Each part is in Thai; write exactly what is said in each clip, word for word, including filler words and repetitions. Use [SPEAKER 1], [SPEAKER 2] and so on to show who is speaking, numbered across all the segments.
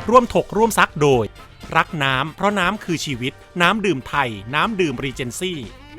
[SPEAKER 1] ร่วมถกร่วมซักโดยรักน้ำเพราะน้ำคือชีวิตน้ำดื่มไทยน้ำดื่มรีเจนซี่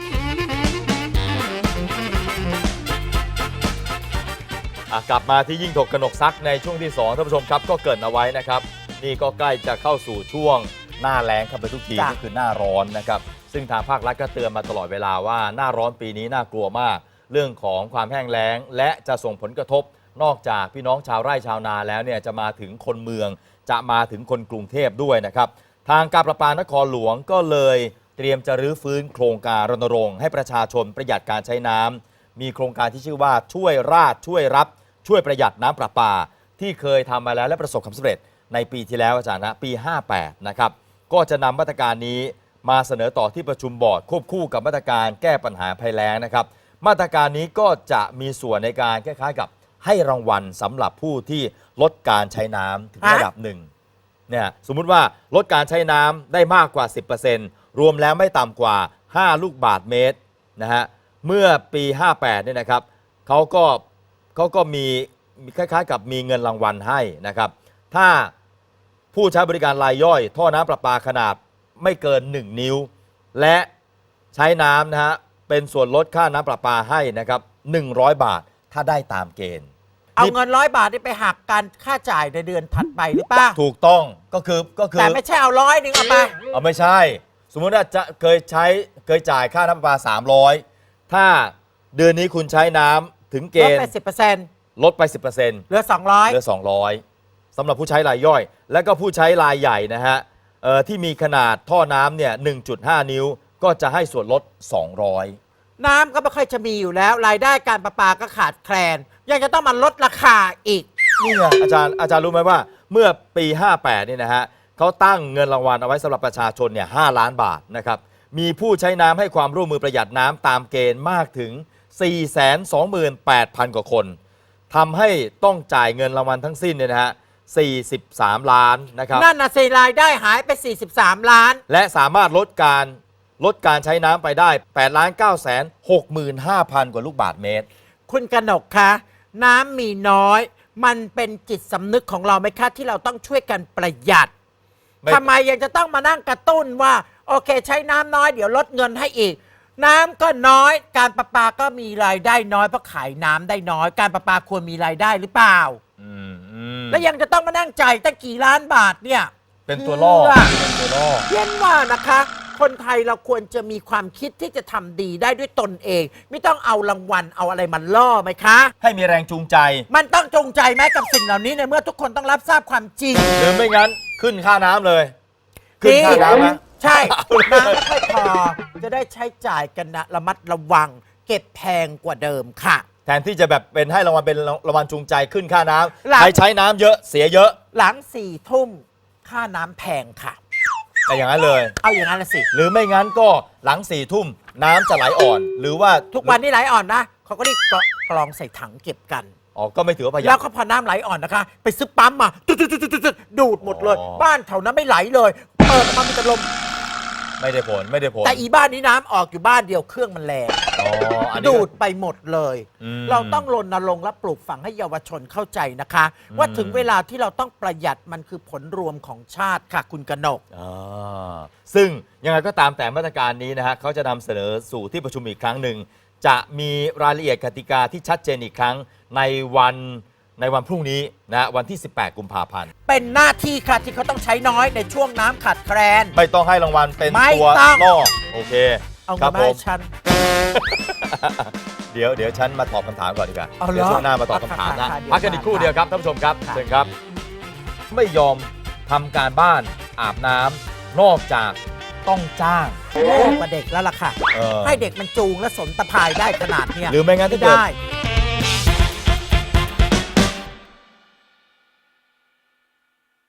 [SPEAKER 2] กลับมาที่ยิ่งถกกนกซักในช่วงที่สองท่านผู้ชมครับก็เกริ่นเอาไว้นะครับนี่ก็ใกล้จะเข้าสู่ช่วงหน้าแล้งเข้าไปทุกทีก็คือหน้าร้อนนะครับซึ่งทางภาครัฐก็เตือนมาตลอดเวลาว่าหน้าร้อนปีนี้น่ากลัวมากเรื่องของความแห้งแล้งและจะส่งผลกระทบนอกจากพี่น้องชาวไร่ชาวนาแล้วเนี่ยจะมาถึงคนเมืองจะมาถึงคนกรุงเทพด้วยนะครับทางการประปานครหลวงก็เลยเตรียมจะรื้อฟื้นโครงการรณรงค์ให้ประชาชนประหยัดการใช้น้ำมีโครงการที่ชื่อว่าช่วยราชช่วยรับช่วยประหยัดน้ำประปาที่เคยทำมาแล้วและประสบความสำเร็จในปีที่แล้วอาจารย์นะปีห้าแปดนะครับก็จะนำมาตรการนี้มาเสนอต่อที่ประชุมบอร์ดควบคู่กับมาตรการแก้ปัญหาภัยแล้งนะครับมาตรการนี้ก็จะมีส่วนในการคล้ายๆกับให้รางวัลสำหรับผู้ที่ลดการใช้น้ำถึงระดับหนึ่งเนี่ยสมมุติว่าลดการใช้น้ำได้มากกว่า สิบเปอร์เซ็นต์ รวมแล้วไม่ต่ำกว่าห้าลูกบาศก์เมตรนะฮะเมื่อปีห้าแปดเนี่ยนะครับเขาก็เขาก็มีคล้ายๆกับมีเงินรางวัลให้นะครับถ้าผู้ใช้บริการรายย่อยท่อน้ำประปาขนาดไม่เกินหนึ่งนิ้วและใช้น้ำนะฮะเป็นส่วนลดค่าน้ำประปาให้นะครับหนึ่งร้อยบาทถ้าได้ตามเกณฑ์
[SPEAKER 3] เอาเงินร้อยบาทนี่ไปหักการค่าจ่ายในเดือนถัดไปหรือเปล่า
[SPEAKER 2] ถูกต้องก็คือก็คือ
[SPEAKER 3] แต่ไม่ใช่เอาร้อยหนึ่งเอาไป
[SPEAKER 2] เอาไม่ใช่สมมติว่าจะเคยใช้เคยจ่ายค่าน้ำประปาสามร้อยถ้าเดือนนี้คุณใช้น้ำถึงเกณฑ์
[SPEAKER 3] ลดไป สิบเปอร์เซ็นต์
[SPEAKER 2] ลดไป สิบเปอร์เซ็นต์
[SPEAKER 3] เหลือสองร้อย
[SPEAKER 2] เหลือสองร้อยสำหรับผู้ใช้รายย่อยและก็ผู้ใช้รายใหญ่นะฮะที่มีขนาดท่อน้ำเนี่ย หนึ่งจุดห้า นิ้วก็จะให้ส่วนลดสองร้อย
[SPEAKER 3] น้ำก็ไม่ค่อยจะมีอยู่แล้วรายได้การประปาก็ขาดแคลนยังจะต้องมาลดราคาอีก
[SPEAKER 2] นี่ไงอาจารย์อาจารย์รู้ไหมว่าเมื่อปีห้าแปดนี่นะฮะเขาตั้งเงินรางวัลเอาไว้สำหรับประชาชนเนี่ยห้าล้านบาทนะครับมีผู้ใช้น้ำให้ความร่วมมือประหยัดน้ำตามเกณฑ์มากถึง สี่แสนสองหมื่นแปดพัน กว่าคนทำให้ต้องจ่ายเงินรางวัลทั้งสิ้นเนี่ยนะฮะสี่สิบสามล้านนะครับ
[SPEAKER 3] นั่นน่ะสิรายได้หายไปสี่สิบสามล้าน
[SPEAKER 2] และสามารถลดการลดการใช้น้ำไปได้แปดล้านเก้าแสนหกหมื่นห้าพัน กว่าลูกบาศก์เมตร
[SPEAKER 3] คุณกนกคะน้ำมีน้อยมันเป็นจิตสำนึกของเราไหมคะที่เราต้องช่วยกันประหยัดทำไมยังจะต้องมานั่งกระตุ้นว่าโอเคใช้น้ำน้อยเดี๋ยวลดเงินให้อีกน้ำก็น้อยการประปาก็มีรายได้น้อยเพราะขายน้ำได้น้อยการประปาควรมีรายได้หรือเปล่าแล้วยังจะต้องมานั่งจ่ายตั้งกี่ล้านบาทเนี่ย
[SPEAKER 2] เป็นตัวล่อเป็นตัวล่อ
[SPEAKER 3] เย็นว่านะคะคนไทยเราควรจะมีความคิดที่จะทำดีได้ด้วยตนเองไม่ต้องเอารางวัลเอาอะไรมาล่อไหมคะ
[SPEAKER 2] ให้มีแรงจูงใจ
[SPEAKER 3] มันต้องจูงใจไหมกับสิ่งเหล่านี้ในเมื่อทุกคนต้องรับทราบความจริง
[SPEAKER 2] หรือไม่งั้นขึ้นค่าน้ำเลยขึ้นค่าน้ำนะ
[SPEAKER 3] ใช่น้ำไม่ค่อยพอจะได้ใช้จ่ายกันนะระมัดระวังเก็บแพงกว่าเดิมค่ะ
[SPEAKER 2] แทนที่จะแบบเป็นให้รางวัลเป็นรางวัลจูงใจขึ้นค่าน้ำใช้ใช้น้ำเยอะเสียเยอะ
[SPEAKER 3] หลังสี่ทุ่มค่าน้ำแพงค่ะ
[SPEAKER 2] แต่อย่างนั้นเลย
[SPEAKER 3] เอาอย่างนั้นละสิ
[SPEAKER 2] หรือไม่งั้นก็หลังสี่ทุ่มน้ำจะไหลอ่อนหรือว่า
[SPEAKER 3] ทุกวันนี้ไหลอ่อนนะเขาก็รีบกรองใส่ถังเก็บกัน
[SPEAKER 2] อ๋อก็ไม่ถือว่าประหยัด
[SPEAKER 3] แล้วก็พอน้ำไหลอ่อนนะคะไปซื้อปั๊มมาดูดหมดเลยบ้านแถวนั้นไม่ไหลเลยเปิดมามีแต่ลม
[SPEAKER 2] ไม่ได้ผลไม่ได้ผล
[SPEAKER 3] แต่อีบ้านนี้น้ำออกอยู่บ้านเดียวเครื่องมันแรงดูดไปหมดเลยเราต้องรณรงค์และปลูกฝังให้เยาวชนเข้าใจนะคะว่าถึงเวลาที่เราต้องประหยัดมันคือผลรวมของชาติค่ะคุณกนก
[SPEAKER 2] ซึ่งยังไงก็ตามแต่มาตรการนี้นะฮะเขาจะนำเสนอสู่ที่ประชุมอีกครั้งหนึ่งจะมีรายละเอียดกติกาที่ชัดเจนอีกครั้งในวันในวันพรุ่งนี้นะวันที่สิบแปดกุมภาพันธ์
[SPEAKER 3] เป็นหน้าที่ค่ะที่เขาต้องใช้น้อยในช่วงน้ำขาดแคลน
[SPEAKER 2] ไม่ต้องให้รางวัลเป็นตัวล่อโอเค
[SPEAKER 3] เอาเงินมาให้ฉัน
[SPEAKER 2] เดี๋ยวเดี๋ยวฉันมาตอบคำถามก่อนดีกว่าเดี๋ยวช่วงหน้ามาตอบคำถามนะพักกันอีกครู่เดียวครับท่านผู้ชมครับเชิญครับไม่ยอมทำการบ้านอาบน้ำนอกจากต้องจ้าง
[SPEAKER 3] โอ้กับเด็กแล้วล่ะค่ะให้เด็กมันจูงและสนตะพายได้ขนาดนี้
[SPEAKER 2] หรือไม่งั้นถ้าเกิด